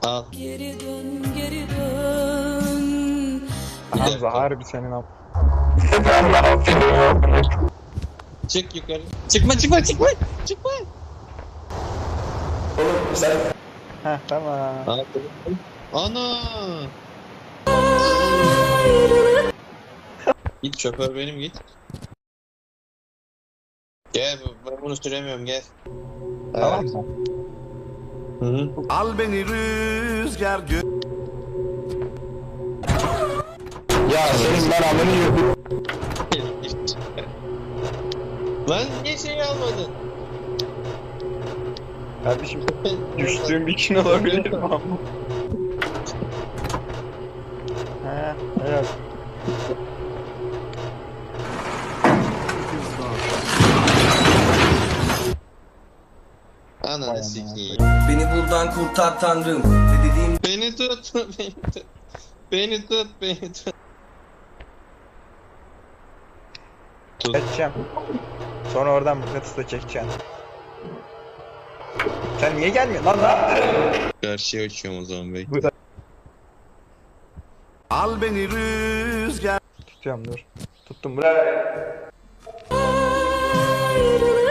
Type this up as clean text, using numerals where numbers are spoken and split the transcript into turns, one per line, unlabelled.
Al.
Geri dön, geri dön.
Hamza harbi senin am.
Çık yukarı. Çıkma çıkma çıkma. Çıkma.
Heh tamam.
Al. Ana. Git şoför benim git. Gel ben bunu süremiyorum gel.
Tamam mı?
Hı hı.
Al beni rüzgar
Ya senin ben amını yiyorum.
Lan niye şey almadın?
Kardeşim düştüğüm bir gün olabilir mi ama? He evet. Vay
Ananı
amına
sikeyim.
Beni buradan kurtar tanrım. Ne dediğim
Beni tut, beni tut. Beni tut, beni tut. Tut.
Geçeceğim. Sonra oradan mıknatısla çekeceğim. Sen niye gelmiyorsun lan lan?
Karşıya uçuyorum o zaman bekle.
Burada
Al beni rüzgar
tutuyorum dur. Tuttum bırak.
Ayrılık